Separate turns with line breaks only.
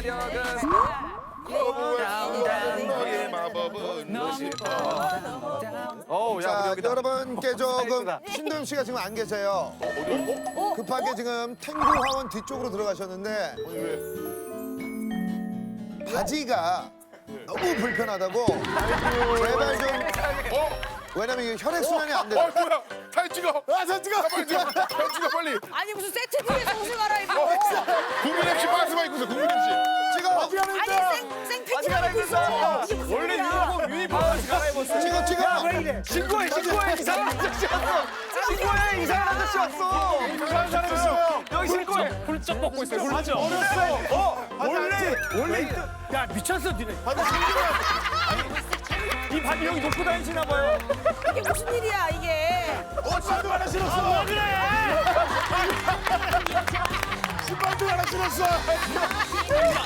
마력은
너의 마법은 무엇일까?
자,
여기다.
여러분께 조금
아이고다.
신도영 씨가 지금 안 계세요. 급하게 지금 탱고 화원 뒤쪽으로 들어가셨는데 바지가 너무 불편하다고 제발 좀 왜냐면 이게 혈액 순환이 안 돼요.
뭐야? 사진 찍어. 사진 찍어. 빨리 찍어. 사진 찍어 빨리.
아니 무슨 세트 중에서 옷을 갈아입고
국민 MC 박스만 입고 있어. 국민 MC.
찍어,
아니 생피티를 입고 있어. 이게 무슨
원래
일이야?
유니폼 바지 갈아입었어.
찍어.
신고해 이상한 아저씨 왔어. 신고해 이상한 아저씨 왔어.
이상한 사람 있어요.
여기 신고해.
훌쩍 벗고 있어요. 맞아.
원래
야 미쳤어 니네. 이 바지 여기 놓고 다니시나 봐요.
이게 무슨 일이야 이게?
신발도 하나 신었어.
왜 그래?
신발도 하나 신었어.